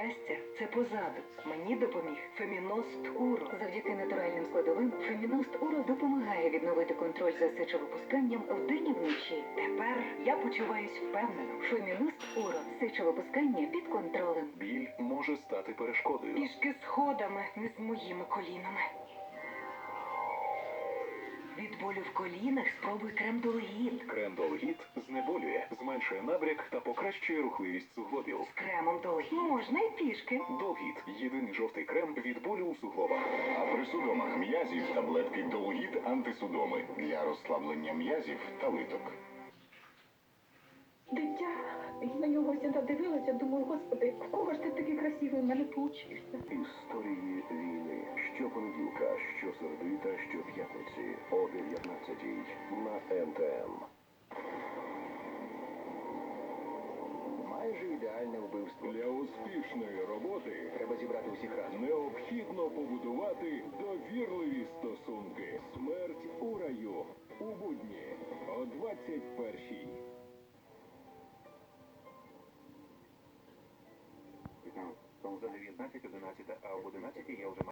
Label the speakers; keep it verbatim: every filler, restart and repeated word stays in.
Speaker 1: щастя – це позаду. Мені допоміг Феміност Уро. Завдяки натуральним складовим Феміност Уро допомагає відновити контроль за сечовипусканням вдень і вночі. Тепер я почуваюсь впевнено. Феміност Уро. Сечовипускання під контролем.
Speaker 2: Біль може стати перешкодою.
Speaker 1: Пішки сходами, не з моїми колінами. Від болю в колінах спробуй крем Долгіт.
Speaker 2: Крем Долгіт знеболює, зменшує набряк та покращує рухливість суглобів.
Speaker 1: З кремом Долгіт можна й пішки.
Speaker 2: Долгіт – єдиний жовтий крем від болю у суглобах.
Speaker 3: А при судомах м'язів таблетки Долгіт антисудоми для розслаблення м'язів та литок.
Speaker 4: Дитя, я на нього завжди дивилася, думаю, господи, в кого ж ти такий красивий в мене получився?
Speaker 2: Історії війни. Щопонеділка, щосереди та щоп'ятниці о дев'ятнадцятій на ен те ен.
Speaker 3: Майже ідеальне вбивство.
Speaker 5: Для успішної роботи
Speaker 3: Треба зібрати усіх разом.
Speaker 5: необхідно побудувати довірливі стосунки. Смерть у раю. У будні о двадцять першій.
Speaker 6: Там взагалі дев'ятнадцять, одинадцять, а об одинадцятій я вже